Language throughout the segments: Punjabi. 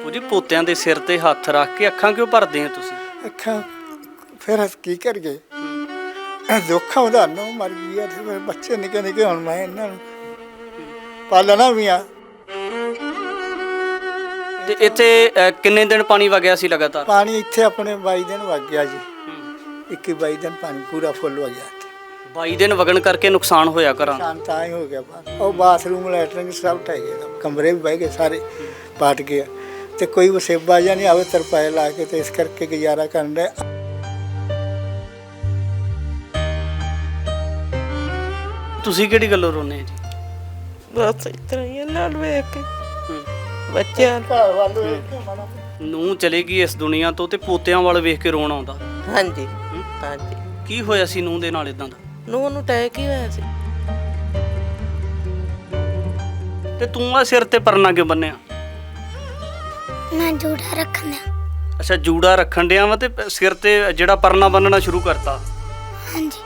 ਉਹ ਜੀ ਪੋਤਿਆਂ ਦੇ ਸਿਰ ਤੇ ਹੱਥ ਰੱਖ ਕੇ ਅੱਖਾਂ ਕਿਉਂ ਭਰਦੇ ਆ ਤੁਸੀਂ? ਅੱਖਾਂ ਫਿਰ ਅਸੀਂ ਕੀ ਕਰੀਏ, ਦੁੱਖ ਆਉਂਦਾ ਨੂੰ ਮਰ ਗਈ ਆ ਤੇ ਫਿਰ ਬੱਚੇ ਨਿੱਕੇ ਨਿੱਕੇ, ਹੁਣ ਮੈਂ ਇਹਨਾਂ ਨੂੰ ਪਾਲਣਾ ਵੀ ਆ। ਤੇ ਇੱਥੇ ਕਿੰਨੇ ਦਿਨ ਪਾਣੀ ਵਗਿਆ ਸੀ ਲਗਾਤਾਰ? ਪਾਣੀ ਇੱਥੇ ਆਪਣੇ 22 ਦਿਨ ਵਗ ਗਿਆ ਜੀ, 21-22 ਦਿਨ ਪਾਣੀ ਪੂਰਾ ਫੁੱਲ ਹੋ ਗਿਆ। 22 ਦਿਨ ਵਗਣ ਕਰਕੇ ਨੁਕਸਾਨ ਹੋਇਆ ਘਰਾਂ? ਨੁਕਸਾਨ ਤਾਂ ਹੀ ਹੋ ਗਿਆ, ਉਹ ਬਾਥਰੂਮ ਲੈਟਰਿੰਗ ਸਭ ਢਹਿ ਗਏ, ਕਮਰੇ ਵੀ ਬਹਿ ਗਏ ਸਾਰੇ, ਪਾਟ ਗਏ ਤੇ ਕੋਈ ਵਸੇਬਾ ਜਾਂ ਨਹੀਂ ਆਵੇ ਤਰਪਾਏ ਲਾ ਕੇ, ਤੇ ਇਸ ਕਰਕੇ ਗੁਜ਼ਾਰਾ ਕਰਨ ਦੇ। ਤੁਸੀਂ ਕਿਹੜੀ ਗੱਲੋਂ ਰੋਨੇ ਜੀ? ਬਸ ਇਸ ਤਰ੍ਹਾਂ ਹੀ ਨਾਲ ਵੇਖ ਕੇ ਬੱਚਿਆਂ ਘਰ ਵੱਲ ਵੇਖ ਕੇ ਮਾੜਾ। ਨੂੰ ਚਲੇ ਗਈ ਇਸ ਦੁਨੀਆ ਤੋਂ ਤੇ ਪੋਤਿਆਂ ਵੱਲ ਵੇਖ ਕੇ ਰੋਣ ਆਉਂਦਾ। ਹਾਂਜੀ ਹਾਂਜੀ। ਕੀ ਹੋਇਆ ਸੀ ਨੂੰਹ ਦੇ ਨਾਲ ਇਦਾਂ ਦਾ? ਨੂੰ ਅਟੈਕ ਹੀ ਹੋਇਆ ਸੀ। ਤੇ ਤੂੰ ਆ ਸਿਰ ਤੇ ਪਰਨਾ ਕਿਉਂ ਬੰਨਿਆ? ਮੈਂ ਜੂੜਾ ਰੱਖਣ ਦਿਆਂ। ਅੱਛਾ, ਜੂੜਾ ਰੱਖਣ ਡਿਆ ਵਾ ਤੇ ਸਿਰ ਤੇ ਜਿਹੜਾ ਪਰਨਾ ਬੰਨਣਾ ਸ਼ੁਰੂ ਕਰਤਾ? ਹਾਂਜੀ।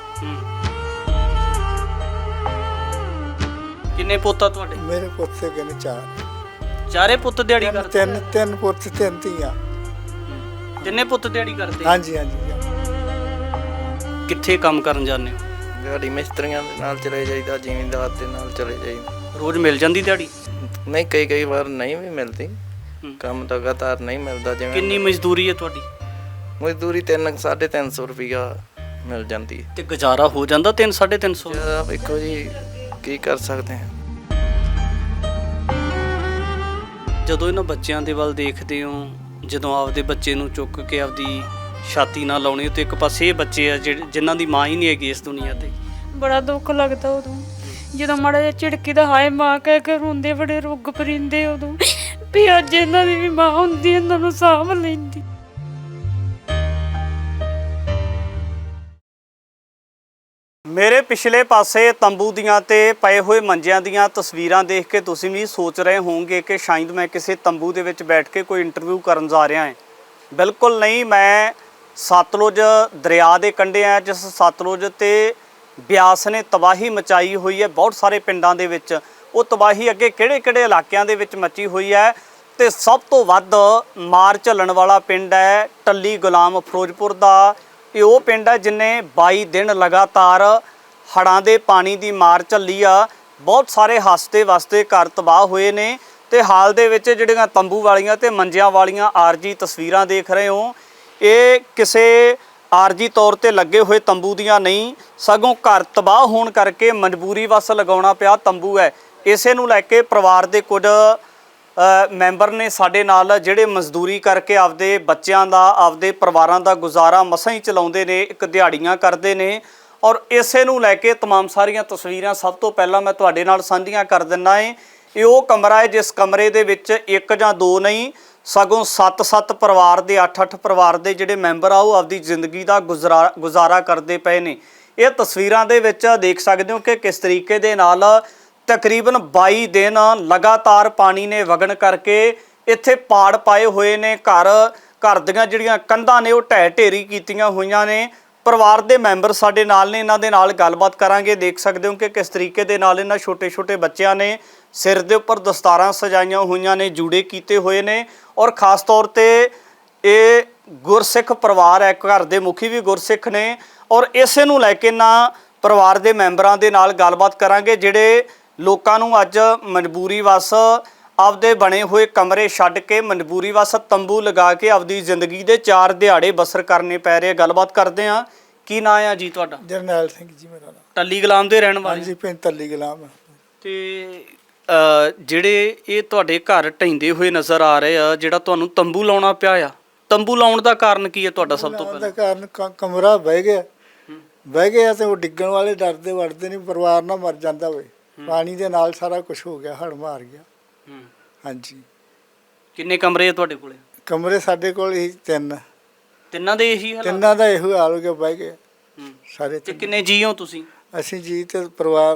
ਕਿੰਨੇ ਪੁੱਤ ਆ ਤੁਹਾਡੇ? ਮੇਰੇ ਪੁੱਤ ਕੇ ਨੇ ਚਾਰ। ਚਾਰੇ ਪੁੱਤ ਦਿਹਾੜੀ ਕਰਦੇ? ਤਿੰਨ ਪੁੱਤ, ਤਿੰਨ ਧੀਆਂ। ਤਿੰਨੇ ਪੁੱਤ ਦਿਹਾੜੀ ਕਰਦੇ? ਹਾਂਜੀ ਹਾਂਜੀ। ਕਿੱਥੇ ਕੰਮ ਕਰਨ ਜਾਂਦੇ ਹੋ? ਦਿਹਾੜੀ ਮਿਸਤਰੀਆਂ ਦੇ ਨਾਲ ਚਲੇ ਜਾਈਦਾ, ਜ਼ਿਮੀਂਦਾਰ ਦੇ ਨਾਲ ਚਲੇ ਜਾਈਦਾ। ਰੋਜ਼ ਮਿਲ ਜਾਂਦੀ ਦਿਹਾੜੀ? ਨਹੀਂ, ਕਈ ਵਾਰ ਨਹੀਂ ਵੀ ਮਿਲਦੀ, ਕੰਮ ਲਗਾਤਾਰ ਨਹੀਂ ਮਿਲਦਾ। ਜਿਵੇਂ ਕਿੰਨੀ ਮਜ਼ਦੂਰੀ ਹੈ ਤੁਹਾਡੀ? ਮਜ਼ਦੂਰੀ 300-350 ਰੁਪਈਆ ਮਿਲ ਜਾਂਦੀ। ਤੇ ਗੁਜ਼ਾਰਾ ਹੋ ਜਾਂਦਾ 300-350? ਵੇਖੋ ਜੀ, ਕੀ ਕਰ ਸਕਦੇ ਹਾਂ। ਜਦੋਂ ਇਹਨਾਂ ਬੱਚਿਆਂ ਦੇ ਵੱਲ ਦੇਖਦੇ ਹੋ, ਜਦੋਂ ਆਪਦੇ ਬੱਚੇ ਨੂੰ ਚੁੱਕ ਕੇ ਆਪਦੀ ਛਾਤੀ ਨਾਲ ਲਾਉਣੀ, ਤੇ ਇੱਕ ਪਾਸੇ ਇਹ ਬੱਚੇ ਆ ਜਿਨ੍ਹਾਂ ਦੀ ਮਾਂ ਹੀ ਨਹੀਂ ਹੈਗੀ ਇਸ ਦੁਨੀਆ ਤੇ, ਬੜਾ ਦੁੱਖ ਲੱਗਦਾ ਉਦੋਂ, ਜਦੋਂ ਮਾੜਾ ਜਿਹਾ ਝਿੜਕੀ ਦਾ ਹਾਏ ਮਾਂ ਕਹਿ ਕੇ ਰੋਂਦੇ, ਬੜੇ ਰੁੱਗ ਪਰਿੰਦੇ ਉਦੋਂ ਵੀ ਅੱਜ ਇਹਨਾਂ ਦੀ ਵੀ ਮਾਂ ਹੁੰਦੀ, ਇਹਨਾਂ ਨੂੰ ਸਾਂਭ ਲੈਂਦੀ। ਮੇਰੇ ਪਿਛਲੇ ਪਾਸੇ ਤੰਬੂ ਦੀਆਂ ਤੇ ਪਏ ਹੋਏ ਮੰਜਿਆਂ ਦੀਆਂ ਤਸਵੀਰਾਂ ਦੇਖ ਕੇ ਤੁਸੀਂ ਵੀ ਸੋਚ ਰਹੇ ਹੋਵੋਗੇ ਕਿ ਸ਼ਾਇਦ ਮੈਂ ਕਿਸੇ ਤੰਬੂ ਦੇ ਵਿੱਚ ਬੈਠ ਕੇ ਕੋਈ ਇੰਟਰਵਿਊ ਕਰਨ ਜਾ ਰਿਹਾ ਹਾਂ। ਬਿਲਕੁਲ ਨਹੀਂ, ਮੈਂ ਸਤਲੁਜ ਦਰਿਆ ਦੇ ਕੰਢੇ ਆ, ਜਿਸ ਸਤਲੁਜ ਤੇ ਬਿਆਸ ਨੇ ਤਬਾਹੀ ਮਚਾਈ ਹੋਈ ਹੈ ਬਹੁਤ ਸਾਰੇ ਪਿੰਡਾਂ ਦੇ ਵਿੱਚ। ਉਹ ਤਬਾਹੀ ਅੱਗੇ ਕਿਹੜੇ-ਕਿਹੜੇ ਇਲਾਕਿਆਂ ਦੇ ਵਿੱਚ ਮਚੀ ਹੋਈ ਹੈ, ਤੇ ਸਭ ਤੋਂ ਵੱਧ ਮਾਰ ਝੱਲਣ ਵਾਲਾ ਪਿੰਡ ਹੈ ਟੱਲੀ ਗੁਲਾਮ ਫਿਰੋਜ਼ਪੁਰ ਦਾ। ਇਹ ਉਹ ਪਿੰਡ ਹੈ ਜਿਨੇ 22 ਦਿਨ ਲਗਾਤਾਰ ਹੜ੍ਹਾਂ ਦੇ ਪਾਣੀ ਦੀ ਮਾਰ ਝੱਲੀ ਆ। ਬਹੁਤ ਸਾਰੇ ਹੱਸਦੇ ਵਸਦੇ ਘਰ ਤਬਾਹ ਹੋਏ ਨੇ, ਤੇ ਹਾਲ ਦੇ ਵਿੱਚ ਜਿਹੜੀਆਂ ਤੰਬੂ ਵਾਲੀਆਂ ਤੇ ਮੰਜਿਆਂ ਵਾਲੀਆਂ ਆਰਜੀ ਤਸਵੀਰਾਂ ਦੇਖ ਰਹੇ ਹੋ, ਇਹ ਕਿਸੇ ਆਰਜੀ ਤੌਰ ਤੇ ਲੱਗੇ ਹੋਏ ਤੰਬੂ ਦੀਆਂ ਨਹੀਂ, ਸਗੋਂ ਘਰ ਤਬਾਹ ਹੋਣ ਕਰਕੇ ਮਜਬੂਰੀ ਵਸ ਲਗਾਉਣਾ ਪਿਆ ਤੰਬੂ ਹੈ। ਇਸੇ ਨੂੰ ਲੈ ਕੇ ਪਰਿਵਾਰ ਦੇ ਕੁਝ ਮੈਂਬਰ ਨੇ ਸਾਡੇ ਨਾਲ, ਜਿਹੜੇ ਮਜ਼ਦੂਰੀ ਕਰਕੇ ਆਪਦੇ ਬੱਚਿਆਂ ਦਾ, ਆਪਦੇ ਪਰਿਵਾਰਾਂ ਦਾ ਗੁਜ਼ਾਰਾ ਮਸਾਂ ਹੀ ਚਲਾਉਂਦੇ ਨੇ, ਇੱਕ ਦਿਹਾੜੀਆਂ ਕਰਦੇ ਨੇ। ਔਰ ਇਸੇ ਨੂੰ ਲੈ ਕੇ तमाम ਸਾਰੀਆਂ ਤਸਵੀਰਾਂ ਸਭ ਤੋਂ ਪਹਿਲਾਂ ਮੈਂ ਤੁਹਾਡੇ ਨਾਲ ਸਾਂਝੀਆਂ ਕਰ ਦਿੰਦਾ ਏ। ਇਹ ਉਹ ਕਮਰਾ ਹੈ ਜਿਸ ਕਮਰੇ ਦੇ ਵਿੱਚ ਇੱਕ ਜਾਂ ਦੋ ਨਹੀਂ, ਸਗੋਂ 7-7 ਪਰਿਵਾਰ ਦੇ, 8-8 ਪਰਿਵਾਰ ਦੇ ਜਿਹੜੇ ਮੈਂਬਰ ਆ ਉਹ ਆਪਦੀ ਜ਼ਿੰਦਗੀ ਦਾ ਗੁਜ਼ਾਰਾ ਕਰਦੇ ਪਏ ਨੇ। ਇਹ ਤਸਵੀਰਾਂ ਦੇ ਵਿੱਚ ਦੇਖ ਸਕਦੇ ਹੋ ਕਿ ਕਿਸ ਤਰੀਕੇ ਦੇ ਨਾਲ ਤਕਰੀਬਨ 22 ਦਿਨ ਲਗਾਤਾਰ ਪਾਣੀ ਨੇ ਵਗਣ ਕਰਕੇ ਇੱਥੇ ਪਾੜ ਪਾਏ ਹੋਏ ਨੇ। ਘਰ ਦੀਆਂ ਜਿਹੜੀਆਂ ਕੰਧਾਂ ਨੇ ਉਹ ਢਹਿ ਢੇਰੀ ਕੀਤੀਆਂ ਹੋਈਆਂ ਨੇ। ਪਰਿਵਾਰ ਦੇ ਮੈਂਬਰ ਸਾਡੇ ਨਾਲ ਨੇ, ਇਹਨਾਂ ਦੇ ਨਾਲ ਗੱਲਬਾਤ ਕਰਾਂਗੇ। ਦੇਖ ਸਕਦੇ ਹੋ ਕਿ ਕਿਸ ਤਰੀਕੇ ਦੇ ਨਾਲ ਇਹਨਾਂ ਛੋਟੇ-ਛੋਟੇ ਬੱਚਿਆਂ ਨੇ ਸਿਰ ਦੇ ਉੱਪਰ ਦਸਤਾਰਾਂ ਸਜਾਈਆਂ ਹੋਈਆਂ ਨੇ, ਜੂੜੇ ਕੀਤੇ ਹੋਏ ਨੇ, ਔਰ ਖ਼ਾਸ ਤੌਰ ਤੇ ਇਹ ਗੁਰਸਿੱਖ ਪਰਿਵਾਰ ਹੈ, ਘਰ ਦੇ ਮੁਖੀ ਵੀ ਗੁਰਸਿੱਖ ਨੇ। ਔਰ ਇਸੇ ਨੂੰ ਲੈ ਕੇ ਨਾ ਪਰਿਵਾਰ ਦੇ ਮੈਂਬਰਾਂ ਦੇ ਨਾਲ ਗੱਲਬਾਤ ਕਰਾਂਗੇ, ਜਿਹੜੇ ਲੋਕਾਂ ਨੂੰ ਅੱਜ ਮਜਬੂਰੀ ਵਸ ਆਪਦੇ ਬਣੇ ਹੋਏ ਕਮਰੇ ਛੱਡ ਕੇ ਮਜਬੂਰੀ ਵਸ ਤੰਬੂ ਲਗਾ ਕੇ ਆਪਦੀ ਜ਼ਿੰਦਗੀ ਦੇ 4 ਦਿਹਾੜੇ ਬਸਰ ਕਰਨੇ ਪੈ ਰਹੇ। ਗੱਲਬਾਤ ਕਰਦੇ ਹਾਂ। ਕੀ ਨਾਂ ਆ ਜੀ ਤੁਹਾਡਾ? ਜਰਨੈਲ ਸਿੰਘ ਜੀ ਮੇਰਾ ਨਾਮ। ਟੱਲੀ ਗੁਲਾਮ ਦੇ ਰਹਿਣ ਵਾਲੇ? ਹਾਂਜੀ, ਪਿੰਡ ਟੱਲੀ ਗੁਲਾਮ। ਤੇ ਜਿਹੜੇ ਇਹ ਤੁਹਾਡੇ ਘਰ ਢਹਿੰਦੇ ਹੋਏ ਨਜ਼ਰ ਆ ਰਹੇ ਆ, ਜਿਹੜਾ ਤੁਹਾਨੂੰ ਤੰਬੂ ਲਾਉਣਾ ਪਿਆ ਆ, ਤੰਬੂ ਲਾਉਣ ਦਾ ਕਾਰਨ ਕੀ ਹੈ ਤੁਹਾਡਾ? ਸਭ ਤੋਂ ਪਹਿਲਾਂ ਦਾ ਕਾਰਨ ਕਮਰਾ ਬਹਿ ਗਿਆ ਤੇ ਉਹ ਡਿੱਗਣ ਵਾਲੇ ਡਰਦੇ ਵੜਦੇ ਨਹੀਂ, ਪਰਿਵਾਰ ਨਾ ਮਰ ਜਾਂਦਾ ਹੋਵੇ। ਪਾਣੀ ਦੇ ਨਾਲ ਸਾਰਾ ਕੁਝ ਹੋ ਗਿਆ, ਹੜ ਮਾਰ ਗਿਆ। ਹਾਂਜੀ। ਕਿੰਨੇ ਕਮਰੇ ਆ ਤੁਹਾਡੇ ਕੋਲੇ? ਕਮਰੇ ਸਾਡੇ ਕੋਲ ਹੀ ਤਿੰਨਾਂ ਦੇ ਇਹੀ ਹਾਲ? ਤਿੰਨਾਂ ਦਾ ਇਹੋ ਹਾਲ ਹੋ ਗਿਆ, ਬਹਿ ਗਏ ਸਾਰੇ। ਤੇ ਕਿੰਨੇ ਜੀ ਹੋ ਤੁਸੀਂ? ਅਸੀਂ ਜੀ ਤੇ ਪਰਿਵਾਰ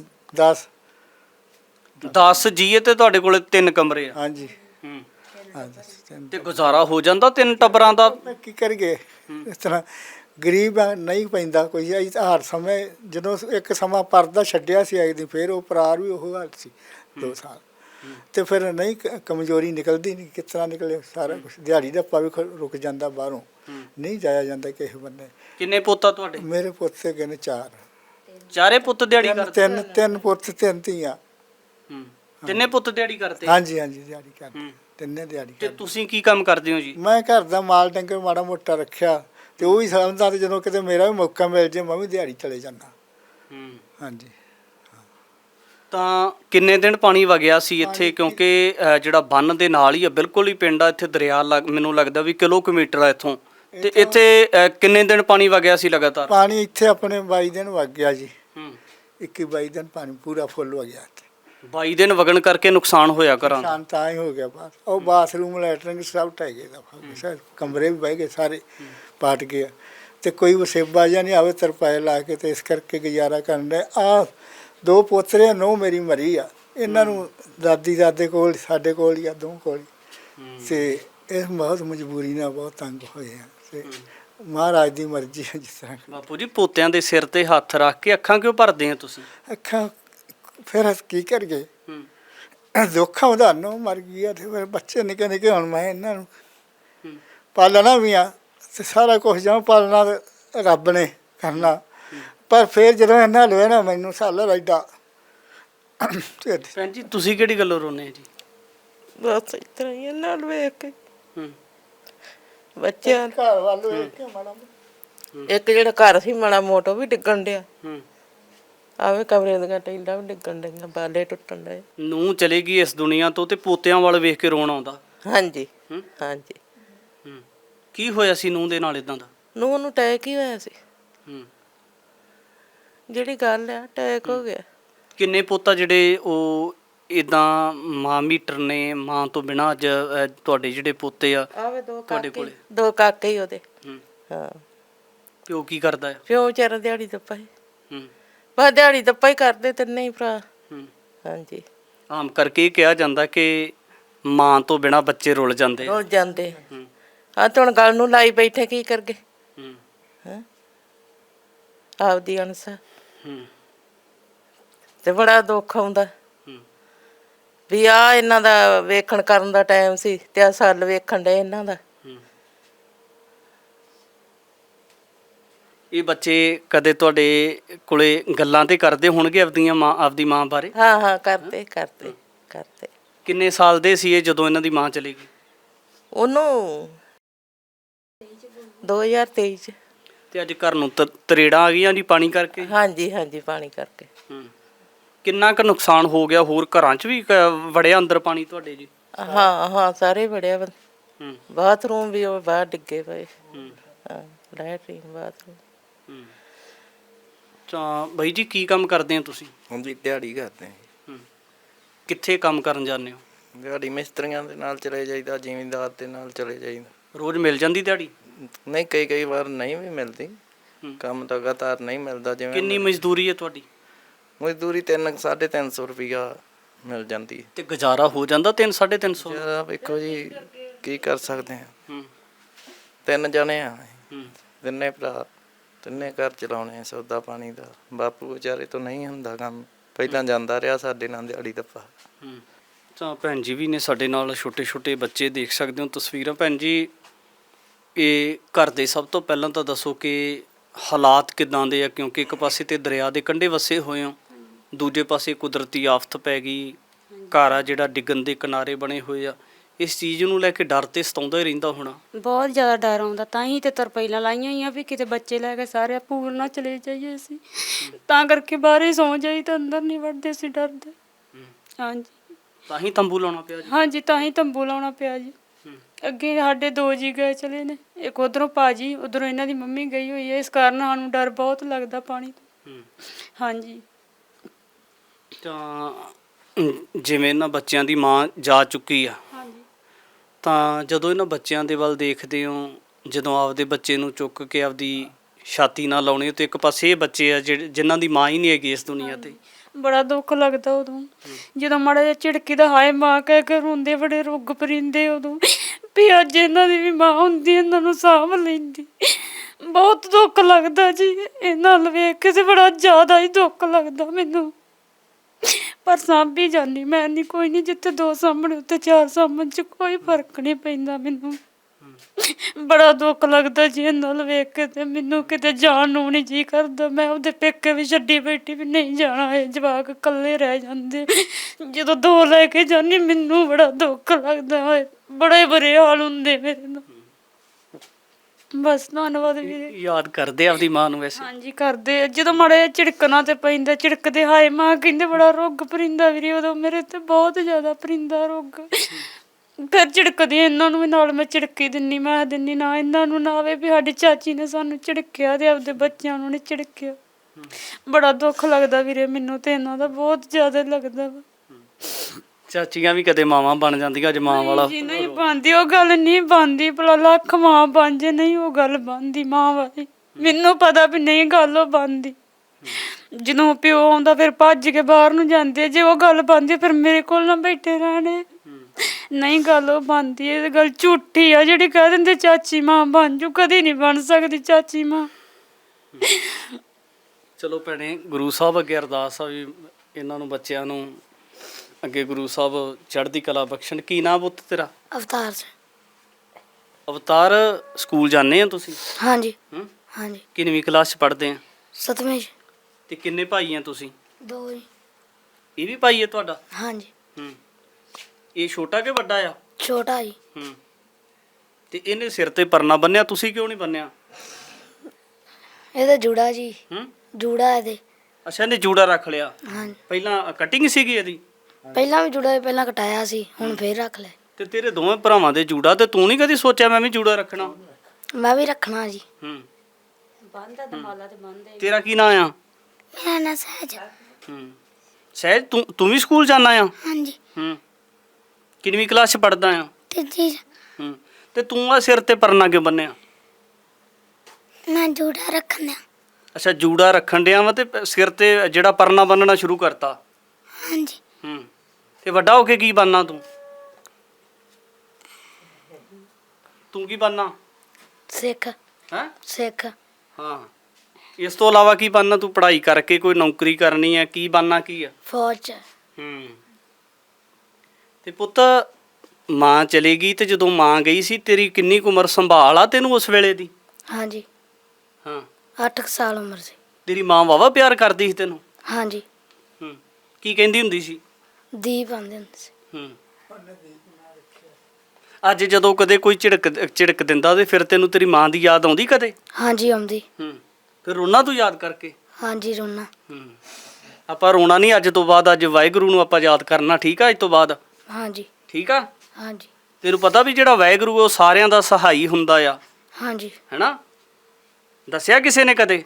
10 ਜੀ ਹੈ ਤੇ ਤੁਹਾਡੇ ਕੋਲੇ 3 ਕਮਰੇ ਆ? ਹਾਂਜੀ। ਤੇ ਗੁਜ਼ਾਰਾ ਹੋ ਜਾਂਦਾ 3 ਟੱਬਰਾਂ ਦਾ? ਕੀ ਕਰੀਏ, ਇਸ ਤਰ੍ਹਾਂ ਗਰੀਬ ਨਹੀਂ ਪੈਂਦਾ ਕੋਈ। ਹਰ ਸਮੇਂ ਜਦੋਂ ਇੱਕ ਸਮਾਂ ਪਰਦਾ ਛੱਡਿਆ ਸੀ, ਆਈ ਦੀ ਫਿਰ ਉਹ ਪਰਾਰ ਵੀ ਉਹ ਹਾਲ ਸੀ 2 ਸਾਲ। ਤੇ ਫਿਰ ਨਹੀਂ ਕਮਜ਼ੋਰੀ ਨਿਕਲਦੀ ਨਹੀਂ, ਕਿਸ ਤਰ੍ਹਾਂ ਨਿਕਲੇ ਸਾਰਾ ਕੁਝ। ਦਿਹਾੜੀ ਦਾ ਵੀ ਰੁਕ ਜਾਂਦਾ, ਬਾਹਰੋਂ ਨਹੀਂ ਜਾਇਆ ਜਾਂਦਾ ਕਿਸੇ ਬੰਨੇ। ਕਿੰਨੇ ਪੁੱਤ ਆ ਤੁਹਾਡੇ? ਮੇਰੇ ਪੁੱਤ ਹੈਗੇ ਨੇ 4, ਚਾਰੇ ਪੁੱਤ ਦਿਹਾੜੀ ਕਰਦੇ? ਤਿੰਨ ਪੁੱਤ 3 ਧੀਆਂ। ਤਿੰਨੇ ਪੁੱਤ ਦਿਹਾੜੀ ਕਰਦੇ? ਹਾਂਜੀ ਹਾਂਜੀ, ਦਿਹਾੜੀ ਕਰਦੇ, ਤਿੰਨੇ ਦਿਹਾੜੀ ਤੇ ਕਰਦੇ। ਤੁਸੀਂ ਕੀ ਕੰਮ ਕਰਦੇ ਹੋ ਜੀ? ਮੈਂ ਘਰ ਦਾ ਮਾਲ ਡੰਗਰ ਮਾੜਾ ਮੋਟਾ ਰੱਖਿਆ ਤੇ ਉਹ ਵੀ ਸਮਝਦਾ, ਤੇ ਜਦੋਂ ਕਿਤੇ ਮੇਰਾ ਵੀ ਮੌਕਾ ਮਿਲ ਜੇ ਮੈਂ ਵੀ ਦਿਹਾੜੀ ਚਲੇ ਜਾਂਦਾ। ਹਾਂਜੀ। ਤਾਂ ਕਿੰਨੇ ਦਿਨ ਪਾਣੀ ਵਗਿਆ ਸੀ ਇੱਥੇ? ਕਿਉਂਕਿ ਜਿਹੜਾ ਬੰਨ ਦੇ ਨਾਲ ਹੀ ਆ, ਬਿਲਕੁਲ ਹੀ ਪਿੰਡ ਆ, ਇੱਥੇ ਦਰਿਆ ਮੈਨੂੰ ਲੱਗਦਾ ਵੀ ਕਿਲੋਮੀਟਰ ਆ ਇੱਥੋਂ। ਤੇ ਇੱਥੇ ਕਿੰਨੇ ਦਿਨ ਪਾਣੀ ਵਗਿਆ ਸੀ ਲਗਾਤਾਰ? ਪਾਣੀ ਇੱਥੇ ਆਪਣੇ 22 ਦਿਨ ਵਗ ਗਿਆ ਜੀ। 21-22 ਦਿਨ ਪਾਣੀ ਪੂਰਾ ਫੁੱਲ ਹੋ ਗਿਆ। 22 ਦਿਨ ਵਗਣ ਕਰਕੇ ਨੁਕਸਾਨ ਹੋਇਆ ਘਰਾਂ ਦਾ? ਨੁਕਸਾਨ ਤਾਂ ਹੀ ਹੋ ਗਿਆ ਬਾਹਰ। ਉਹ ਬਾਥਰੂਮ ਲੈਟਰਿੰਗ ਸਭ ਢਹਿ ਗਏ ਦਾ, ਕਮਰੇ ਵੀ ਬਹਿ ਗਏ, ਸਾਰੇ ਪਾਟ ਗਏ। ਤੇ ਕੋਈ ਵਸੇਬਾ ਜਾਂ ਨਹੀਂ ਆਵੇ ਤਰਪਾਏ ਲਾ ਕੇ, ਤੇ ਇਸ ਕਰਕੇ ਗੁਜ਼ਾਰਾ ਕਰਨ ਦੇ। ਆ 2 ਪੋਤਰੇ, 9 ਮੇਰੀ ਮਰੀ ਆ। ਇਹਨਾਂ ਨੂੰ ਦਾਦੇ ਕੋਲ, ਸਾਡੇ ਕੋਲ ਹੀ ਆ, 2 ਕੋਲ ਹੀ। ਤੇ ਇਹ ਬਹੁਤ ਮਜਬੂਰੀ ਨਾਲ ਬਹੁਤ ਤੰਗ ਹੋਏ ਆ। ਤੇ ਮਹਾਰਾਜ ਦੀ ਮਰਜ਼ੀ ਹੈ ਜਿਸ ਤਰ੍ਹਾਂ। ਬਾਪੂ ਜੀ, ਪੋਤਿਆਂ ਦੇ ਸਿਰ ਤੇ ਹੱਥ ਰੱਖ ਕੇ ਅੱਖਾਂ ਕਿਉਂ ਭਰਦੇ ਆ ਤੁਸੀਂ? ਅੱਖਾਂ ਫਿਰ ਕੀ ਕਰੀਏ, ਦੁੱਖ ਆਉਂਦਾ। ਨੋ ਮਰ ਗਿਆ ਤੇ ਫਿਰ ਬੱਚੇ ਨਿੱਕੇ ਨਿੱਕੇ, ਹੁਣ ਮੈਂ ਇਹਨਾਂ ਨੂੰ ਪਾਲਣਾ ਵੀ ਆ, ਤੇ ਸਾਰਾ ਕੁਝ ਜਾਂ ਪਾਲਣਾ ਰੱਬ ਨੇ ਕਰਨਾ। ਪਰ ਫਿਰ ਜਦੋਂ ਇਹਨਾਂ ਲਵੇ ਨਾ ਮੈਨੂੰ ਸਾਲਾ ਐਡਾ। ਭੈਣ ਜੀ, ਤੁਸੀਂ ਕਿਹੜੀ ਗੱਲੋਂ ਰੋਨੇ ਜੀ? ਬਸ ਇਸ ਤਰ੍ਹਾਂ ਹੀ ਇਹਨਾਂ ਨੂੰ ਵੇਖ ਕੇ ਬੱਚਿਆਂ ਘਰ ਵੱਲ ਵੇਖ ਕੇ ਮਾੜਾ ਇੱਕ ਜਿਹੜਾ ਘਰ ਸੀ ਮਾੜਾ ਮੋਟਾ ਵੀ ਡਿੱਗਣ ਡਿਆ। ਆਵੇ ਕਮਰੇ ਦੀਆਂ ਟੈਲਾਂ ਵੀ ਡਿੱਗਣ ਡਈਆਂ, ਬਾਲੇ ਟੁੱਟਣ ਡਏ। ਨੂੰ ਚਲੇ ਗਈ ਇਸ ਦੁਨੀਆ ਤੋਂ ਤੇ ਪੋਤਿਆਂ ਵੱਲ ਵੇਖ ਕੇ ਰੋਣ ਆਉਂਦਾ? ਹਾਂਜੀ ਹਾਂਜੀ। ਕੀ ਹੋਇਆ ਸੀ ਨੂੰਹ ਦੇ ਨਾਲ ਇਦਾਂ ਦਾ? ਨੂੰਹ ਨੂੰ ਅਟੈਕ ਹੀ ਹੋਇਆ ਸੀ। ਜਿਹੜੀ ਗੱਲ ਆ, ਅਟੈਕ ਹੋ ਗਿਆ। ਕਿੰਨੇ ਪੁੱਤ ਜਿਹੜੇ ਉਹ ਇਦਾਂ ਮਾਂ ਮੀਟਰ ਨੇ, ਮਾਂ ਤੋਂ ਬਿਨਾਂ ਅੱਜ ਤੁਹਾਡੇ ਜਿਹੜੇ ਪੋਤੇ ਆ ਆਵੇ ਤੁਹਾਡੇ ਕੋਲੇ? 2 ਕਾਕੇ ਹੀ ਉਹਦੇ। ਹਾਂ। ਪਿਓ ਕੀ ਕਰਦਾ ਆ? ਪਿਓ ਵਿਚਾਰਾ ਦਿਹਾੜੀ ਦੱਪਾ ਹੀ। ਬਸ ਦਿਹਾੜੀ ਦੱਪਾ ਹੀ ਕਰਦੇ ਤਿੰਨੇ ਹੀ ਭਰਾ। ਹਾਂਜੀ। ਆਮ ਕਰਕੇ ਇਹ ਕਿਹਾ ਜਾਂਦਾ ਕਿ ਮਾਂ ਤੋਂ ਬਿਨਾਂ ਬੱਚੇ ਰੁੱਲ ਜਾਂਦੇ ਆ। ਰੁੱਲ ਜਾਂਦੇ। ਆ ਤੇ ਹੁਣ ਗੱਲ ਨੂੰ ਲਾਈ ਬੈਠੇ, ਕੀ ਕਰਗੇ? ਹਾਂ, ਆਪਦੀ ਅਣਸਾ। ਤੇ ਬੜਾ ਦੁੱਖ ਆਉਂਦਾ ਵੀ ਆ ਇਹਨਾਂ ਦਾ ਵੇਖਣ ਕਰਨ ਦਾ ਟਾਈਮ ਸੀ ਤੇ ਆ ਸਾਲ ਵੇਖਣ ਦੇ ਇਹਨਾਂ ਦਾ। ਇਹ ਬੱਚੇ ਕਦੇ ਤੁਹਾਡੇ ਕੋਲੇ ਗੱਲਾਂ ਤੇ ਕਰਦੇ ਹੋਣਗੇ ਆਪਦੀ ਮਾਂ ਬਾਰੇ? ਹਾਂ ਹਾਂ, ਕਰਦੇ ਕਰਦੇ ਕਰਦੇ। ਕਿੰਨੇ ਸਾਲ ਦੇ ਸੀ ਇਹ ਜਦੋਂ ਇਹਨਾਂ ਦੀ ਮਾਂ ਚਲੀ ਗਈ? ਉਹਨੂੰ 2023 ਚ। ਤੇ ਅੱਜ ਘਰ ਨੂੰ ਤਰੇੜਾਂ ਆ ਗਈਆਂ ਜੀ ਪਾਣੀ ਕਰਕੇ? ਹਾਂਜੀ ਹਾਂਜੀ, ਪਾਣੀ ਕਰਕੇ। ਕਿੰਨਾ ਕੁ ਨੁਕਸਾਨ ਹੋ ਗਿਆ? ਹੋਰ ਘਰਾਂ 'ਚ ਵੀ ਵੜਿਆ ਅੰਦਰ ਪਾਣੀ ਤੁਹਾਡੇ ਜੀ? ਹਾਂ ਹਾਂ, ਸਾਰੇ ਵੜਿਆ। ਬਾਥਰੂਮ ਵੀ ਉਹ ਬਾਹਰ ਡਿੱਗੇ ਪਏ। ਹਾਂ, ਲੈਟਰੀਨ, ਬਾਥਰੂਮ। ਤਾਂ ਬਾਈ ਜੀ, ਕੀ ਕੰਮ ਕਰਦੇ ਹੋ ਤੁਸੀਂ? ਹਾਂਜੀ, ਦਿਹਾੜੀ ਕਰਦੇ ਹਾਂ। ਕਿੱਥੇ ਕੰਮ ਕਰਨ ਜਾਂਦੇ ਹੋ? ਦਿਹਾੜੀ ਮਿਸਤਰੀਆਂ ਦੇ ਨਾਲ ਚਲੇ ਜਾਈਦਾ, ਜ਼ਿਮੀਂਦਾਰ ਦੇ ਨਾਲ ਚਲੇ ਜਾਈਦਾ। ਰੋਜ਼ ਮਿਲ ਜਾਂਦੀ ਦਿਹਾੜੀ? ਨਹੀਂ, ਕਈ ਵਾਰ ਨਹੀਂ ਵੀ ਮਿਲਦੀ। ਕੰਮ ਲਗਾਤਾਰ ਨਹੀਂ ਮਿਲਦਾ। ਜਿਵੇਂ ਕਿੰਨੀ ਮਜ਼ਦੂਰੀ ਹੈ ਤੁਹਾਡੀ? ਮਜ਼ਦੂਰੀ 300-350 ਰੁਪਈਆ ਮਿਲ ਜਾਂਦੀ। ਤੇ ਗੁਜ਼ਾਰਾ ਹੋ ਜਾਂਦਾ 300-350? ਵੇਖੋ ਜੀ, ਕੀ ਕਰ ਸਕਦੇ ਹਾਂ। 3 ਜਣੇ ਆ, 3 ਭਰਾ, 3 ਘਰ ਚਲਾਉਣੇ, ਸੌਦਾ ਪਾਣੀ ਦਾ। ਬਾਪੂ ਵਿਚਾਰੇ ਤੋਂ ਨਹੀਂ ਹੁੰਦਾ ਕੰਮ, ਪਹਿਲਾਂ ਜਾਂਦਾ ਰਿਹਾ ਸਾਡੇ ਨਾਲ ਦਿਹਾੜੀ ਦੱਪਾ। ਤਾਂ ਭੈਣ ਜੀ ਵੀ ਨੇ ਸਾਡੇ ਨਾਲ, ਛੋਟੇ ਛੋਟੇ ਬੱਚੇ ਦੇਖ ਸਕਦੇ ਹੋ ਤਸਵੀਰਾਂ। ਭੈਣ ਜੀ, ਇਹ ਘਰ ਦੇ ਸਭ ਤੋਂ ਪਹਿਲਾਂ ਤਾਂ ਦੱਸੋ ਕਿ ਹਾਲਾਤ ਕਿੱਦਾਂ ਦੇ ਆ? ਕਿਉਂਕਿ ਇੱਕ ਪਾਸੇ ਤੇ ਦਰਿਆ ਦੇ ਕੰਢੇ ਵਸੇ ਹੋਏ ਹੋ, ਦੂਜੇ ਪਾਸੇ ਕੁਦਰਤੀ ਆਫਤ ਪੈ ਗਈ, ਘਰ ਆ ਜਿਹੜਾ ਡਿੱਗਣ ਦੇ ਕਿਨਾਰੇ ਬਣੇ ਹੋਏ ਆ। ਇਸ ਚੀਜ਼ ਨੂੰ ਲੈ ਕੇ ਡਰ ਤੇ ਸਤਾਉਂਦਾ ਹੀ ਰਹਿੰਦਾ ਹੋਣਾ? ਬਹੁਤ ਜ਼ਿਆਦਾ ਡਰ ਆਉਂਦਾ। ਤਾਂ ਹੀ ਤੇ ਤਰਪਾਈਲਾਂ ਲਾਈਆਂ ਹੋਈਆਂ ਵੀ ਕਿਤੇ ਬੱਚੇ ਲੈ ਕੇ ਸਾਰੇ ਪੂਲ ਨਾ ਚਲੇ ਜਾਈਏ ਅਸੀਂ। ਤਾਂ ਕਰਕੇ ਬਾਹਰ ਸੌਂ ਜਾਈ, ਤਾਂ ਅੰਦਰ ਨਹੀਂ ਵੜਦੇ ਸੀ ਡਰਦੇ। ਹਾਂਜੀ, ਤਾਂ ਹੀ ਤੰਬੂ ਲਾਉਣਾ ਪਿਆ ਜੀ? ਹਾਂਜੀ, ਤਾਂ ਹੀ ਤੰਬੂ ਲਾਉਣਾ ਪਿਆ ਜੀ। ਅੱਗੇ ਸਾਡੇ 2 ਜੀ ਗਏ ਚਲੇ ਨੇ, ਇੱਕ ਉੱਧਰੋਂ ਭਾਜੀ, ਉੱਧਰੋਂ ਇਹਨਾਂ ਦੀ ਮੰਮੀ ਗਈ ਹੋਈ ਹੈ। ਇਸ ਕਾਰਨ ਸਾਨੂੰ ਡਰ ਬਹੁਤ ਲੱਗਦਾ ਪਾਣੀ ਤੋਂ। ਹਾਂਜੀ। ਤਾਂ ਜਿਵੇਂ ਇਹਨਾਂ ਬੱਚਿਆਂ ਦੀ ਮਾਂ ਜਾ ਚੁੱਕੀ ਆ, ਤਾਂ ਜਦੋਂ ਇਹਨਾਂ ਬੱਚਿਆਂ ਦੇ ਵੱਲ ਦੇਖਦੇ ਹੋ, ਜਦੋਂ ਆਪਦੇ ਬੱਚੇ ਨੂੰ ਚੁੱਕ ਕੇ ਆਪਦੀ ਛਾਤੀ ਨਾਲ ਲਾਉਣੇ ਹੋ, ਤੇ ਇੱਕ ਪਾਸੇ ਇਹ ਬੱਚੇ ਆ ਜਿਨ੍ਹਾਂ ਦੀ ਮਾਂ ਹੀ ਨਹੀਂ ਹੈਗੀ ਇਸ ਦੁਨੀਆ ਤੇ, ਬੜਾ ਦੁੱਖ ਲੱਗਦਾ ਉਦੋਂ। ਜਦੋਂ ਮਾੜਾ ਜਿਹਾ ਝਿੜਕੀ ਦਾ ਹਾਏ ਮਾਂ ਕਹਿ ਕੇ ਰੋਂਦੇ, ਬੜੇ ਰੁੱਗ ਪਰਿੰਦੇ ਉਦੋਂ ਵੀ ਅੱਜ ਇਹਨਾਂ ਦੀ ਵੀ ਮਾਂ ਹੁੰਦੀ, ਇਹਨਾਂ ਨੂੰ ਸਾਂਭ ਲੈਂਦੀ। ਬਹੁਤ ਦੁੱਖ ਲੱਗਦਾ ਜੀ ਇਹਨਾਂ ਵੱਲ ਵੇਖ ਕੇ, ਤੇ ਬੜਾ ਜ਼ਿਆਦਾ ਹੀ ਦੁੱਖ ਲੱਗਦਾ ਮੈਨੂੰ। ਪਰ ਸਾਂਭੀ ਜਾਂਦੀ ਮੈਂ ਨਹੀਂ, ਕੋਈ ਨਹੀਂ, ਜਿੱਥੇ 2 ਸਾਹਮਣੇ ਉੱਥੇ 4 ਸਾਹਮਣੇ ਚ ਕੋਈ ਫਰਕ ਨਹੀਂ ਪੈਂਦਾ ਮੈਨੂੰ। ਬੜਾ ਦੁੱਖ ਲੱਗਦਾ ਜੀ ਇਹਨਾਂ ਨਾਲ ਵੇਖ ਕੇ, ਤੇ ਮੈਨੂੰ ਕਿਤੇ ਜਾਣ ਨੂੰ ਨਹੀਂ ਜੀ ਕਰਦਾ। ਮੈਂ ਉਹਦੇ ਪੇਕੇ ਵੀ ਛੱਡੀ ਬੈਠੀ ਵੀ ਨਹੀਂ ਜਾਣਾ, ਇਹ ਜਵਾਕ ਇਕੱਲੇ ਰਹਿ ਜਾਂਦੇ। ਜਦੋਂ 2 ਲੈ ਕੇ ਜਾਂਦੀ ਮੈਨੂੰ ਬੜਾ ਦੁੱਖ ਲੱਗਦਾ ਹੋਏ, ਬੜੇ ਬੁਰੇ ਹਾਲ ਹੁੰਦੇ ਮੇਰੇ ਨਾਲ। ਬਸ ਧੰਨਵਾਦ ਵੀਰੇ। ਯਾਦ ਕਰਦੇ ਆਪਦੀ ਮਾਂ ਨੂੰ ਵੈਸੇ? ਹਾਂਜੀ ਕਰਦੇ ਆ। ਜਦੋਂ ਮਾੜਾ ਜਿਹਾ ਝਿੜਕਣਾ ਤੇ ਪੈਂਦਾ, ਝਿੜਕਦੇ ਹਾਏ ਮਾਂ ਕਹਿੰਦੇ ਬੜਾ ਰੁੱਗ ਪਰਿੰਦਾ ਵੀਰੇ, ਉਦੋਂ ਮੇਰੇ ਤੇ ਬਹੁਤ ਜ਼ਿਆਦਾ ਪਰਿੰਦਾ ਰੁੱਗ। ਫਿਰ ਝਿੜਕਦੀ ਇਹਨਾਂ ਨੂੰ ਵੀ ਨਾਲ ਮੈਂ ਝਿੜਕੀ ਦਿੰਨੀ, ਮੈਂ ਦਿੰਨੀ ਨਾ ਇਹਨਾਂ ਨੂੰ ਨਾ ਆਵੇ ਵੀ ਸਾਡੀ ਚਾਚੀ ਨੇ ਸਾਨੂੰ ਝਿੜਕਿਆ ਤੇ ਆਪਦੇ ਬੱਚਿਆਂ ਨੂੰ ਨਹੀਂ ਝਿੜਕਿਆ। ਬੜਾ ਦੁੱਖ ਲੱਗਦਾ ਵੀਰੇ ਮੈਨੂੰ ਤੇ ਇਹਨਾਂ ਦਾ ਬਹੁਤ ਜ਼ਿਆਦਾ ਲੱਗਦਾ ਵਾ। ਚਾਚੀਆਂ ਵੀ ਕਦੇ ਮਾਵਾਂ ਬਣ ਜਾਂਦੀਆਂ, ਅੱਜ ਮਾਂ ਵਾਲਾ ਜੀ ਨਹੀਂ ਬਣਦੀ, ਉਹ ਗੱਲ ਨਹੀਂ ਬਣਦੀ। ਭਲਾ ਲੱਖ ਮਾਂ ਬਣ ਜੇ, ਨਹੀਂ ਉਹ ਗੱਲ ਬਣਦੀ ਮਾਂ ਵਾਲੀ। ਮੈਨੂੰ ਪਤਾ ਵੀ ਨਹੀਂ ਗੱਲ ਉਹ ਬਣਦੀ। ਜਦੋਂ ਪਿਓ ਆਉਂਦਾ ਫਿਰ ਭੱਜ ਕੇ ਬਾਹਰ ਨੂੰ ਜਾਂਦੇ, ਜੇ ਉਹ ਗੱਲ ਬਣਦੀ ਫਿਰ ਮੇਰੇ ਕੋਲ ਨਾ ਬੈਠੇ ਰਹਿਣੇ। ਨਹੀਂ ਗੱਲ ਉਹ ਬਣਦੀ, ਇਹ ਗੱਲ ਝੂਠੀ ਆ ਜਿਹੜੀ ਕਹਿ ਦਿੰਦੇ ਚਾਚੀ ਮਾਂ ਬਣ ਜੂ, ਕਦੀ ਨਹੀਂ ਬਣ ਸਕਦੀ ਚਾਚੀ ਮਾਂ। ਚਲੋ ਭੈਣੇ, ਗੁਰੂ ਸਾਹਿਬ ਅੱਗੇ ਅਰਦਾਸ ਆ ਵੀ ਇਹਨਾਂ ਨੂੰ ਬੱਚਿਆਂ ਨੂੰ ਅੱਗੇ ਗੁਰੂ ਸਾਹਿਬ ਚੜ੍ਹਦੀ ਕਲਾ ਬਖਸ਼ਣ। ਕੀ ਨਾਮ ਪੁੱਤ ਤੇਰਾ? ਅਵਤਾਰ ਸਿੰਘ। ਅਵਤਾਰ, ਸਕੂਲ ਜਾਂਦੇ ਆ ਤੁਸੀਂ? ਹਾਂਜੀ ਹੂੰ, ਹਾਂਜੀ। ਕਿੰਨਵੀਂ ਕਲਾਸ 'ਚ ਪੜ੍ਹਦੇ ਆ? 7ਵੀਂ 'ਚ। ਤੇ ਕਿੰਨੇ ਭਾਈ ਆ ਤੁਸੀਂ? 2 ਜੀ। ਇਹ ਵੀ ਭਾਈ ਹੈ ਤੁਹਾਡਾ? ਹਾਂਜੀ। ਹੂੰ, ਇਹ ਛੋਟਾ ਕਿ ਵੱਡਾ ਆ? ਛੋਟਾ ਜੀ। ਹੂੰ, ਤੇ ਇਹਨੇ ਸਿਰ ਤੇ ਪਰਨਾ ਬੰਨਿਆ, ਤੁਸੀਂ ਕਿਉਂ ਨਹੀਂ ਬੰਨਿਆ? ਇਹਦਾ ਜੂੜਾ ਜੀ। ਹੂੰ, ਜੂੜਾ ਇਹਦੇ। ਅੱਛਾ, ਇਹਨੇ ਜੂੜਾ ਰੱਖ ਲਿਆ। ਹਾਂਜੀ। ਪਹਿਲਾਂ ਕਟਿੰਗ ਸੀਗੀ ਇਹਦੀ? ਪਹਿਲਾਂ ਵੀ ਜੂੜਾ ਪਹਿਲਾਂ ਕਟਾਇਆ ਸੀ, ਹੁਣ ਫੇਰ ਰੱਖ ਲਿਆ। ਤੇ ਤੇਰੇ ਦੋਵੇਂ ਭਰਾਵਾਂ ਦੇ ਜੂੜਾ, ਤੇ ਤੂੰ ਨਹੀਂ ਕਦੀ ਸੋਚਿਆ ਮੈਂ ਵੀ ਜੂੜਾ ਰੱਖਣਾ? ਮੈਂ ਵੀ ਰੱਖਣਾ ਜੀ। ਹੂੰ, ਬੰਦਾ ਦਮਾਲਾ ਤੇ ਬੰਦੇ। ਤੇਰਾ ਕੀ ਨਾਂ ਆ? ਮੇਰਾ ਨਾਂ ਸਹਿਜ। ਹੂੰ, ਸਹਿਜ, ਤੂੰ ਵੀ ਸਕੂਲ ਜਾਂਦਾ ਆ? ਹਾਂਜੀ। ਹੂੰ, ਕਿੰਨਵੀਂ ਕਲਾਸ 'ਚ ਪੜ੍ਹਦਾ ਆ? 3 ਹੂੰ, ਤੇ ਤੂੰ ਆ ਸਿਰ ਤੇ ਪਰਨਾ ਕਿਉਂ ਬੰਨਿਆ? ਮੈਂ ਜੂੜਾ ਰੱਖਣ ਦਿਆਂ। ਅੱਛਾ, ਜੂੜਾ ਰੱਖਣ ਡਿਆ ਵਾ ਤੇ ਸਿਰ ਤੇ ਜਿਹੜਾ ਪਰਨਾ ਬੰਨਣਾ ਸ਼ੁਰੂ ਕਰਤਾ? ਹਾਂਜੀ। ਹੂੰ, ਤੇ ਵੱਡਾ ਹੋ ਕੇ ਕੀ ਬਣਨਾ ਤੂੰ? ਤੂੰ ਕੀ ਬਣਨਾ? ਸਿੱਖ। ਹੈਂ? ਸਿੱਖ। ਹਾਂ, ਇਸ ਤੋਂ ਇਲਾਵਾ ਕੀ ਬਣਨਾ ਤੂੰ? ਪੜ੍ਹਾਈ ਕਰਕੇ ਕੋਈ ਨੌਕਰੀ ਕਰਨੀ ਹੈ? ਕੀ ਬਣਨਾ ਕੀ ਆ? ਫੌਜ 'ਚ। ਹੂੰ, ਤੇ ਪੁੱਤ ਮਾਂ ਚਲੀ ਗਈ, ਤੇ ਜਦੋਂ ਮਾਂ ਗਈ ਸੀ ਤੇਰੀ ਕਿੰਨੀ ਕੁ ਉਮਰ ਸੰਭਾਲ ਆ ਤੈਨੂੰ ਉਸ ਵੇਲੇ ਦੀ? ਹਾਂਜੀ। ਹਾਂ, 8 ਸਾਲ ਉਮਰ ਸੀ। ਤੇਰੀ ਮਾਂ ਵਾਵਾ ਪਿਆਰ ਕਰਦੀ ਸੀ ਤੈਨੂੰ? ਹਾਂਜੀ। ਹੂੰ, ਕੀ ਕਹਿੰਦੀ ਹੁੰਦੀ ਸੀ? ਦੀਪ ਆਂਦੇ ਹੁੰਦੇ ਸੀ। ਹੂੰ, ਅੱਜ ਜਦੋਂ ਕਦੇ ਕੋਈ ਝਿੜਕ ਦਿੰਦਾ ਤੇ ਫਿਰ ਤੈਨੂੰ ਤੇਰੀ ਮਾਂ ਦੀ ਯਾਦ ਆਉਂਦੀ ਕਦੇ? ਹਾਂਜੀ ਆਉਂਦੀ। ਹੂੰ, ਫਿਰ ਰੋਣਾ ਤੂੰ ਯਾਦ ਕਰਕੇ? ਹਾਂਜੀ ਰੋਣਾ। ਹੂੰ, ਆਪਾਂ ਰੋਣਾ ਨਹੀਂ ਅੱਜ ਤੋਂ ਬਾਅਦ, ਅੱਜ ਵਾਹਿਗੁਰੂ ਨੂੰ ਆਪਾਂ ਯਾਦ ਕਰਨਾ, ਠੀਕ ਆ? ਅੱਜ ਤੋਂ ਬਾਅਦ ਹਾਂਜੀ। ਠੀਕ ਆ? ਹਾਂਜੀ। ਤੈਨੂੰ ਪਤਾ ਵੀ ਜਿਹੜਾ ਵਾਹਿਗੁਰੂ ਉਹ ਸਾਰਿਆਂ ਦਾ ਸਹਾਈ ਹੁੰਦਾ ਆ, ਹਾਂਜੀ। ਹੈਨਾ? ਦੱਸਿਆ ਕਿਸੇ ਨੇ ਕਦੇ?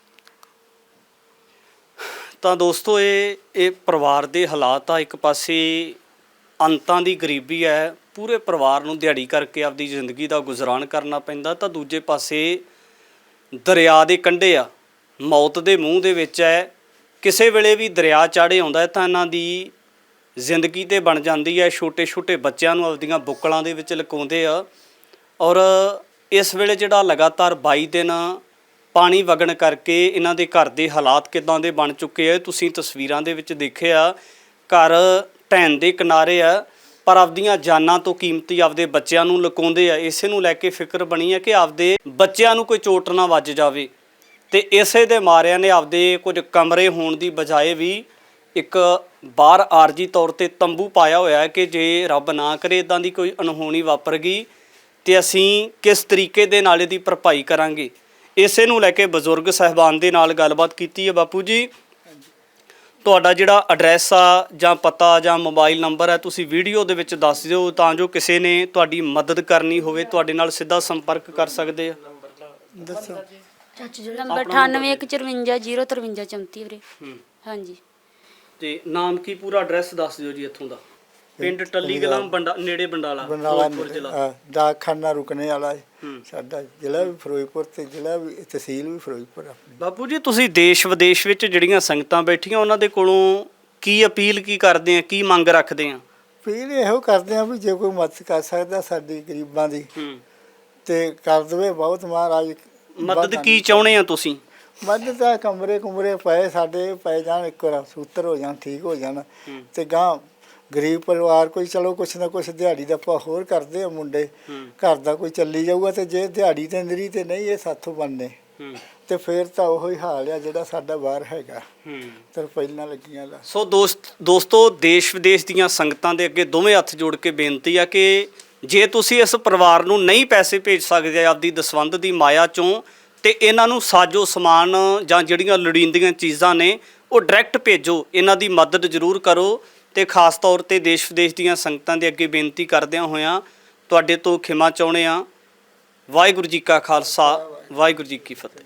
ਤਾਂ ਦੋਸਤੋ, ਇਹ ਪਰਿਵਾਰ ਦੇ ਹਾਲਾਤ ਆ। ਇੱਕ ਪਾਸੇ ਅੰਤਾਂ ਦੀ ਗਰੀਬੀ ਹੈ, ਪੂਰੇ ਪਰਿਵਾਰ ਨੂੰ ਦਿਹਾੜੀ ਕਰਕੇ ਆਪਦੀ ਜ਼ਿੰਦਗੀ ਦਾ ਗੁਜ਼ਰਾਨ ਕਰਨਾ ਪੈਂਦਾ, ਤਾਂ ਦੂਜੇ ਪਾਸੇ ਦਰਿਆ ਦੇ ਕੰਢੇ ਆ, ਮੌਤ ਦੇ ਮੂੰਹ ਦੇ ਵਿੱਚ ਹੈ। ਕਿਸੇ ਵੇਲੇ ਵੀ ਦਰਿਆ ਚਾੜੇ ਆਉਂਦਾ ਹੈ ਤਾਂ ਇਹਨਾਂ ਦੀ ਜ਼ਿੰਦਗੀ ਤੇ ਬਣ ਜਾਂਦੀ ਹੈ। ਛੋਟੇ ਛੋਟੇ ਬੱਚਿਆਂ ਨੂੰ ਆਪਦੀਆਂ ਬੁੱਕਲਾਂ ਦੇ ਵਿੱਚ ਲੁਕਾਉਂਦੇ ਆ, ਔਰ ਇਸ ਵੇਲੇ ਜਿਹੜਾ ਲਗਾਤਾਰ 22 ਦਿਨ ਪਾਣੀ ਵਗਣ ਕਰਕੇ ਇਹਨਾਂ ਦੇ ਘਰ ਦੇ ਹਾਲਾਤ ਕਿੱਦਾਂ ਦੇ ਬਣ ਚੁੱਕੇ ਆ, ਤੁਸੀਂ ਤਸਵੀਰਾਂ ਦੇ ਵਿੱਚ ਦੇਖਿਆ। ਘਰ ਢਹਿਣ ਦੇ ਕਿਨਾਰੇ ਆ, ਪਰ ਆਪਦੀਆਂ ਜਾਨਾਂ ਤੋਂ ਕੀਮਤੀ ਆਪਦੇ ਬੱਚਿਆਂ ਨੂੰ ਲੁਕਾਉਂਦੇ ਆ। ਇਸੇ ਨੂੰ ਲੈ ਕੇ ਫਿਕਰ ਬਣੀ ਹੈ ਕਿ ਆਪਦੇ ਬੱਚਿਆਂ ਨੂੰ ਕੋਈ ਚੋਟ ਨਾ ਵੱਜ ਜਾਵੇ, ਤੇ ਇਸੇ ਦੇ ਮਾਰਿਆਂ ਨੇ ਆਪਦੇ ਕੁਝ ਕਮਰੇ ਹੋਣ ਦੀ ਬਜਾਏ ਵੀ ਇੱਕ ਬਾਹਰ ਆਰਜੀ ਤੌਰ ਤੇ ਤੰਬੂ ਪਾਇਆ ਹੋਇਆ ਹੈ ਕਿ ਜੇ ਰੱਬ ਨਾ ਕਰੇ ਇਦਾਂ ਦੀ ਕੋਈ ਅਣਹੋਣੀ ਵਾਪਰ ਗਈ ਤੇ ਅਸੀਂ ਕਿਸ ਤਰੀਕੇ ਦੇ ਨਾਲ ਇਹਦੀ ਭਰਪਾਈ ਕਰਾਂਗੇ। ਇਸੇ ਨੂੰ ਲੈ ਕੇ ਬਜ਼ੁਰਗ ਸਾਹਿਬਾਨ ਦੇ ਨਾਲ ਗੱਲਬਾਤ ਕੀਤੀ ਹੈ। ਬਾਪੂ ਜੀ, ਤੁਹਾਡਾ ਜਿਹੜਾ ਐਡਰੈਸ ਆ ਜਾਂ ਪਤਾ ਜਾਂ ਮੋਬਾਈਲ ਨੰਬਰ ਹੈ ਤੁਸੀਂ ਵੀਡੀਓ ਦੇ ਵਿੱਚ ਦੱਸ ਦਿਓ, ਤਾਂ ਜੋ ਕਿਸੇ ਨੇ ਤੁਹਾਡੀ ਮਦਦ ਕਰਨੀ ਹੋਵੇ ਤੁਹਾਡੇ ਨਾਲ ਸਿੱਧਾ ਸੰਪਰਕ ਕਰ ਸਕਦੇ ਆ। ਦੱਸੋ। ਨੰਬਰ 9815505334 ਵੀਰੇ। ਹਾਂਜੀ। ਤੇ ਨਾਮ ਕੀ, ਪੂਰਾ ਐਡਰੈਸ ਦੱਸ ਦਿਓ ਜੀ ਇੱਥੋਂ ਦਾ। ਪਿੰਡ ਟੱਲੀ ਕਲਾਂ, ਨੇੜੇ ਬੰਡਾਲਾ, ਫਿਰੋਜ਼ਪੁਰ ਜ਼ਿਲ੍ਹਾ। ਡਾਕਖਾਨਾ ਰੁਕਣੇ ਵਾਲਾ ਸਾਡਾ ਜ਼ਿਲ੍ਹਾ ਵੀ ਫਿਰੋਜ਼ਪੁਰ ਤੇ ਜ਼ਿਲ੍ਹਾ ਵੀ, ਤਹਿਸੀਲ ਵੀ ਫਿਰੋਜ਼ਪੁਰ ਆਪਣੀ। ਬਾਪੂ ਜੀ, ਤੁਸੀਂ ਦੇਸ਼ ਵਿਦੇਸ਼ ਵਿੱਚ ਜਿਹੜੀਆਂ ਸੰਗਤਾਂ ਬੈਠੀਆਂ ਉਹਨਾਂ ਦੇ ਕੋਲੋਂ ਕੀ ਅਪੀਲ ਕੀ ਕਰਦੇ ਆ, ਕੀ ਮੰਗ ਰੱਖਦੇ ਆ? ਅਪੀਲ ਇਹੋ ਕਰਦੇ ਆ ਵੀ ਜੇ ਕੋਈ ਮਦਦ ਕਰ ਸਕਦਾ ਸਾਡੀ ਗਰੀਬਾਂ ਦੀ ਹੂੰ, ਤੇ ਕਰ ਦੇਵੇ। ਬਹੁਤ ਮਹਾਰਾਜ ਮਦਦ ਕੀ ਚਾਹੁੰਦੇ ਆ ਤੁਸੀਂ? ਮਦਦ ਤਾਂ ਕਮਰੇ ਕੁਮਰੇ ਪਏ ਸਾਡੇ ਪੈ ਜਾਣ, ਇੱਕ ਵਾਰ ਸੂਤਰ ਹੋ ਜਾਣ, ਠੀਕ ਹੋ ਜਾਣ ਤੇ ਗਾਂ ਗਰੀਬ ਪਰਿਵਾਰ ਕੋਈ ਚਲੋ ਕੁਛ ਨਾ ਕੁਛ ਦਿਹਾੜੀ ਦਾ ਆਪਾਂ ਹੋਰ ਕਰਦੇ ਆ ਮੁੰਡੇ, ਘਰ ਦਾ ਕੋਈ ਚੱਲੀ ਜਾਊਗਾ। ਤੇ ਜੇ ਦਿਹਾੜੀ ਤੇ ਨਰੀ ਤੇ ਨਹੀਂ ਇਹ ਸਾਥੋਂ ਬਣਨੇ ਤੇ ਫਿਰ ਤਾਂ ਉਹੀ ਹਾਲ ਆ ਜਿਹੜਾ ਸਾਡਾ ਬਾਹਰ ਹੈਗਾ ਤੇ ਪਹਿਲਾਂ ਲੱਗੀਆਂ ਦਾ। ਸੋ ਦੋਸਤੋ ਦੇਸ਼ ਵਿਦੇਸ਼ ਦੀਆਂ ਸੰਗਤਾਂ ਦੇ ਅੱਗੇ ਦੋਵੇਂ ਹੱਥ ਜੋੜ ਕੇ ਬੇਨਤੀ ਆ ਕਿ ਜੇ ਤੁਸੀਂ ਇਸ ਪਰਿਵਾਰ ਨੂੰ ਨਹੀਂ ਪੈਸੇ ਭੇਜ ਸਕਦੇ ਆਪਦੀ ਦਸਵੰਧ ਦੀ ਮਾਇਆ ਚੋਂ, ਤੇ ਇਹਨਾਂ ਨੂੰ ਸਾਜੋ ਸਮਾਨ ਜਾਂ ਜਿਹੜੀਆਂ ਲੋੜੀਂਦੀਆਂ ਚੀਜ਼ਾਂ ਨੇ ਉਹ ਡਾਇਰੈਕਟ ਭੇਜੋ, ਇਹਨਾਂ ਦੀ ਮਦਦ ਜ਼ਰੂਰ ਕਰੋ। ਤੇ ਖਾਸ ਤੌਰ ਤੇ ਦੇਸ਼ ਵਿਦੇਸ਼ ਦੀਆਂ ਸੰਗਤਾਂ ਦੇ ਅੱਗੇ ਬੇਨਤੀ ਕਰਦਿਆਂ ਹੋਇਆਂ ਤੁਹਾਡੇ ਤੋਂ ਖਿਮਾ ਚਾਹੁੰਦੇ ਹਾਂ। ਵਾਹਿਗੁਰੂ ਜੀ ਕਾ ਖਾਲਸਾ, ਵਾਹਿਗੁਰੂ ਜੀ ਕੀ ਫਤਿਹ।